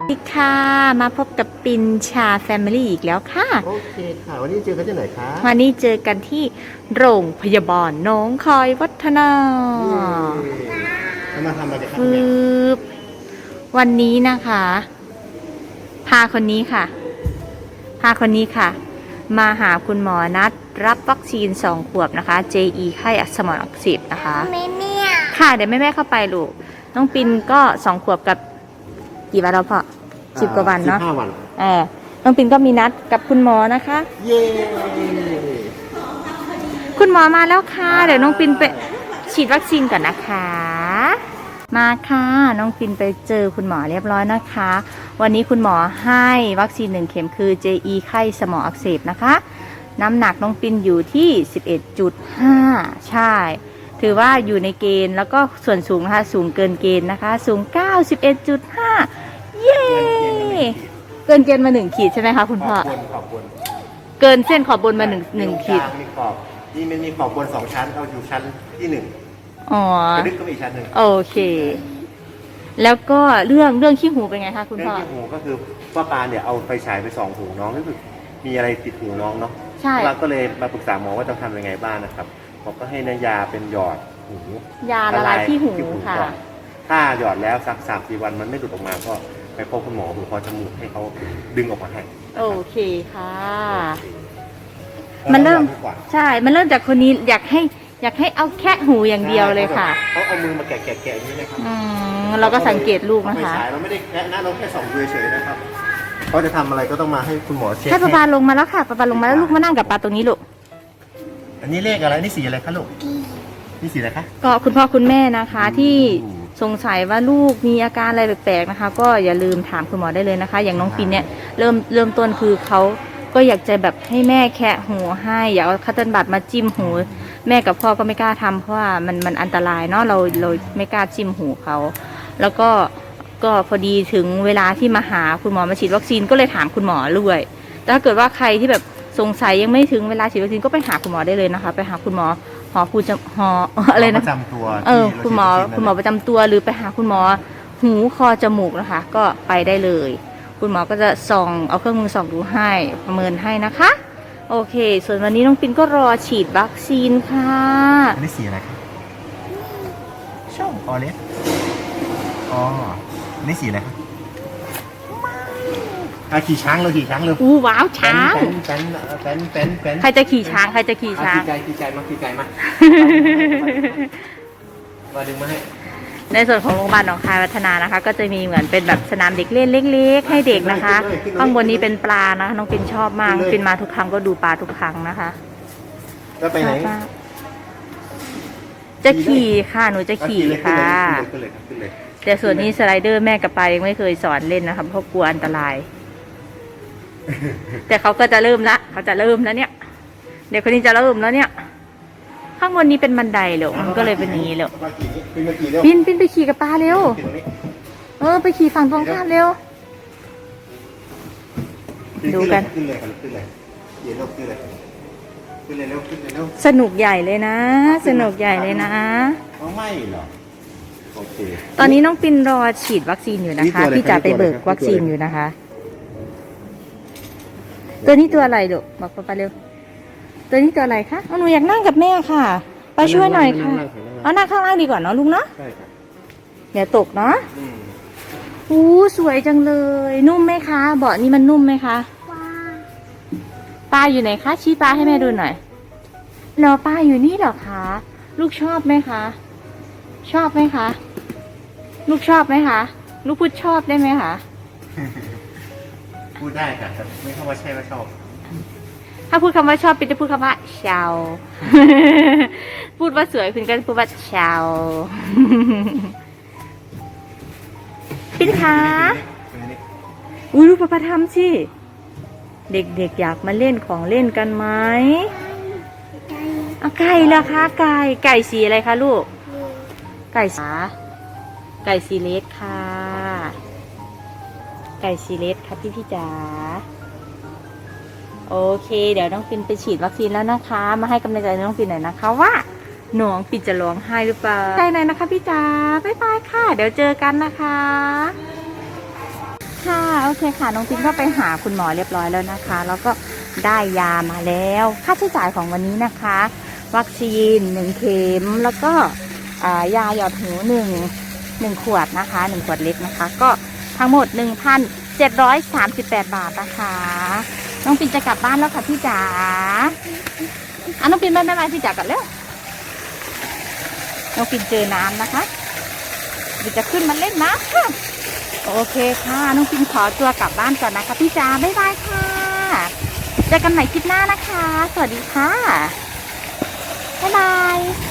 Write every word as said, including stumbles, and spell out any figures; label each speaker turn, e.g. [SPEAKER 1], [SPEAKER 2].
[SPEAKER 1] สวัสดีค่ะมาพบกับปินชาแฟมิลี่อีกแล้วค่ะ
[SPEAKER 2] โอเคค่ะวันนี้เจอกันที่ไหนคะ
[SPEAKER 1] วันนี้เจอกันที่โรงพยาบาลหนองคายวัฒนา
[SPEAKER 2] จะมาทำอะไรกันครับ
[SPEAKER 1] ฟื
[SPEAKER 2] เนี่ย
[SPEAKER 1] บวันนี้นะคะพาคนนี้ค่ะพาคนนี้ค่ะ มาหาคุณหมอนัดรับวัคซีนสองขวบนะคะ เจ อี ไข้สมองอักเสบนะคะ
[SPEAKER 3] แม่เนี่ย
[SPEAKER 1] ค่ะเดี๋ยวแม่แม่เข้าไปลูกน้องปินก็สองขวบกับกี่วันแล้วพ่อสิบกว่าวันเนาะ
[SPEAKER 2] สิบห้าวัน
[SPEAKER 1] เออน้องปินก็มีนัดกับคุณหมอนะคะ
[SPEAKER 2] เย้
[SPEAKER 1] คุณหมอมาแล้วค่ะเดี๋ยวน้องปินไปฉีดวัคซีนก่อนนะคะ มาค่ะน้องปินไปเจอคุณหมอเรียบร้อยนะคะ วันนี้คุณหมอให้วัคซีนหนึ่งเข็มคือ เจ อี ไข้สมองอักเสบนะคะน้ำหนักน้องปินอยู่ที่ สิบเอ็ดจุดห้า ใช่ถือว่าอยู่ในเกณฑ์แล้วก็ส่วนสูงนะคะสูงเกินเกณฑ์นะคะสูง เก้าสิบเอ็ดจุดห้า เย้เกินเกณฑ์มาหนึ่งขีดใช่ไหมคะคุณพ่อ
[SPEAKER 2] ขอบคุณขอบคุณ
[SPEAKER 1] เกินเส้นขอบบนมาหนึ่งหนึ่งขีด
[SPEAKER 2] มีขอบนี่มันมีขอบบนสองชั้นเอาอยู่ชั้นที่หนึ่ง
[SPEAKER 1] อ๋อก
[SPEAKER 2] ระดึกก็มีอีกชั้นหนึ่ง
[SPEAKER 1] โอเค แล้วก็เรื่องเรื่องขี้หูเป็นไงคะคุณ
[SPEAKER 2] เรื่อ
[SPEAKER 1] พ่
[SPEAKER 2] ง
[SPEAKER 1] อ
[SPEAKER 2] ที่หูก็คือว่าปาเนี่ยเอาไฟฉายไปส่องหูน้องรู้สึกมีอะไรติดหูน้องเนาะ
[SPEAKER 1] ใช่
[SPEAKER 2] เราก็เลยมาปรึกษาหมอว่าจะทำยังไงบ้างนะครับหมอก็ให้นายาเป็นหยอดหู
[SPEAKER 1] ยาละลายขี้หูค่ะ
[SPEAKER 2] ก่อนถ้าหยอดแล้วสักสามสี่วันมันไม่หลุดออกมาก็ไปพบคุณหมอหูคอจมูกให้เขาดึงออกมาให้
[SPEAKER 1] โอเคค่ะ มันเริ่ม ใช่ มันเริ่มจากคนนี้อยากให้อยากให้เอาแค่หูอย่างเดียวเลยค่ะ
[SPEAKER 2] เขาเอามือมาแกะแกะแกะอย่างนี้นะครับ
[SPEAKER 1] อืมเราก็สังเกตลูกนะคะ
[SPEAKER 2] ไม่ใช่เราไม่ได้แกะนะเราแค่ส่องดูเฉยๆนะครับเขาจะทำอะไรก็ต้องมาให้คุณหมอเช็ค
[SPEAKER 1] ให้ปะปาลงมาแล้วค่ะปะปาลงมาแล้วลูกมานั่งกับปาตรงนี้ลูก
[SPEAKER 2] อันนี้เลขอะไรนี่สีอะไรคะลูกนี่สีอะไรคะ
[SPEAKER 1] ก็คุณพ่อคุณแม่นะคะ ที่
[SPEAKER 2] อืม
[SPEAKER 1] สงสัยว่าลูกมีอาการอะไรแปลกๆนะคะ ก็อย่าลืมถามคุณหมอได้เลยนะคะ อย่างน้องปินเนี่ยเริ่มเริ่มต้นคือเขาก็อยากจะแบบให้แม่แคะหูให้อยากเอาคัตเติ้ลบัตมาจิ้มหู แม่กับพ่อก็ไม่กล้าทำเพราะว่ามันมันอันตรายเนาะเราเราไม่กล้าจิ้มหูเขาแล้วก็ก็พอดีถึงเวลาที่มาหาคุณหมอมาฉีดวัคซีนก็เลยถามคุณหมอด้วยแต่ถ้าเกิดว่าใครที่แบบสงสัยยังไม่ถึงเวลาฉีดวัคซีนก็ไปหาคุณหมอได้เลยนะคะ ไปหาคุณหมอหอผู้จะหออะไรนะ
[SPEAKER 2] ประจำตัว
[SPEAKER 1] เออ
[SPEAKER 2] ที่
[SPEAKER 1] คุณหมอ
[SPEAKER 2] เราฉีดวัคซีน
[SPEAKER 1] คุณหมอประจำตัวหรือไปหาคุณหมอหูคอจมูกนะคะ ก็ไปได้เลย คุณหมอก็จะส่องเอาเครื่องมือส่องดูให้ประเมินให้นะคะ โอเค ส่วนวันนี้น้องปินก็รอฉีดวัคซีนค่ะ
[SPEAKER 2] อันนี้สีอะไรคะช่องออเรนจ์อ๋ออันนี้สีอะไรคะอ่ะขี่ช้างเลยขี่ช้างเลย
[SPEAKER 1] อู้ว้าวช้าง
[SPEAKER 2] แป้นแป้นแป้นแป้น
[SPEAKER 1] ใครจะขี่ช้างใครจะขี่ช้าง
[SPEAKER 2] ขี่ไก่ขี่ไก่มาขี่ไก่มามาดึงมาให้
[SPEAKER 1] ในส่วนของโรงพยาบาลหนองคายวัฒนานะคะ ก็จะมีเหมือนเป็นแบบสนามเด็กเล่นเล็กๆให้เด็กนะคะข้างบนนี้เป็นปลานะคะน้องปินชอบมากน้องปินมาทุกครั้งก็ดูปลาทุกครั้งนะคะ
[SPEAKER 2] แล้วไปไหน
[SPEAKER 1] ชอบมากจะขี่ค่ะหนูจะขี่ค่ะ
[SPEAKER 2] ขึ้นเลยขึ้นเลย
[SPEAKER 1] แต่ส่วนนี้สไลเดอร์แม่กับปายังไม่เคยสอนเล่นนะคะเพราะกลัวอันตราย แต่เขาก็จะเริ่มละเขาจะเริ่มแล้วเนี่ยเด็กคนนี้จะเริ่มแล้วเนี่ย ข้างบนนี้เป็นบันไดเหรอมันก็เลยเป็นอย่างนี้เหรอ
[SPEAKER 2] มาขี่ขึ้นมาขี่เร็ว
[SPEAKER 1] ปินปินไปขี่กับปลาเร็ว
[SPEAKER 2] ขี่ตรงนี้
[SPEAKER 1] เออไปขี่ฝั่งตรงข้ามเร็ว ดูกัน
[SPEAKER 2] ขึ้นเลยขึ้นเลยขี่เร็วขึ้นเลยขึ้นเลยเร็วขึ้นเลยเร็ว
[SPEAKER 1] สนุกใหญ่เลยนะ สนุกใหญ่เลยนะ
[SPEAKER 2] เอาไม่เหรอโอเค
[SPEAKER 1] ตอนนี้น้องปินรอฉีดวัคซีนอยู่นะคะ
[SPEAKER 2] นี่ตัวอะไร
[SPEAKER 1] พี่จะไปเบิก
[SPEAKER 2] ตัวอะไร
[SPEAKER 1] วัคซีนอยู่นะคะ ตัวนี้ตัวอะไรลูกบอกป้าเร็ว ตัวนี้ตัวอะไรคะเอาหนูอยากนั่งกับแม่ค่ะไปช่วยหน่อยค่ะเอานั่งข้างล่างดีกว่าเนาะลุงเนาะ
[SPEAKER 2] ใช่ครับ
[SPEAKER 1] เดี๋ยวตกเนาะ
[SPEAKER 2] อืม
[SPEAKER 1] อู้สวยจังเลย นุ่มไหมคะเบาะนี้มันนุ่มไหมคะ
[SPEAKER 3] ว้า
[SPEAKER 1] ปลาอยู่ไหนคะชี้ปลาให้แม่ดูหน่อยรอปลาอยู่นี่เหรอคะลูกชอบไหมคะ ชอบไหมคะ ลูกชอบไหมคะลูกพูดชอบได้ไหมคะ
[SPEAKER 2] พูดได้ค่ะแต่ไม่เข้ามาใช่ว่าชอบ
[SPEAKER 1] ถ้าพูดคำว่าชอบปินจะพูดคำว่าชาว พูดว่าสวยปินก็จะพูดว่าชาว ปินคะอุ้ยดูประทำสิเด็กๆอยากมาเล่นของเล่นกันไหม
[SPEAKER 3] ใจ
[SPEAKER 1] เอาไก่เหรอคะไก่ไก่สีอะไรคะลูก ไก่สาไก่สีเลสค่ะ ไก่สีเลสค่ะพี่พี่จ๋าโอเค เดี๋ยวน้องปินไปฉีดวัคซีนแล้วนะคะ มาให้กำลังใจน้องปินหน่อยนะคะว่าน้องปินจะร้องไห้หรือเปล่าใช่ไหนนะคะพี่จ๋าบ๊ายบายค่ะ เดี๋ยวเจอกันนะคะค่ะโอเคค่ะน้องปินก็ไปหาคุณหมอเรียบร้อยแล้วนะคะ แล้วก็ได้ยามาแล้วค่าใช้จ่ายของวันนี้นะคะ วัคซีนหนึ่งเข็มแล้วก็อ่ายาหยอดหูหนึ่งหนึ่งขวดนะคะหนึ่งขวดเล็กนะคะ ก็ทั้งหมดหนึ่งพันเจ็ดร้อยสามสิบแปดบาทนะคะน้องปินจะกลับบ้านแล้วค่ะพี่จ๋าอ่ะน้องปินไปไม่ไปพี่จ๋ากันเร็วน้องปินเจอน้ำนะคะเดี๋ยวจะขึ้นมาเล่นน้ำค่ะโอเคค่ะน้องปินขอตัวกลับบ้านก่อนนะคะพี่จ๋าบ๊ายบายค่ะเจอกันใหม่คลิปหน้านะคะสวัสดีค่ะบ๊ายบาย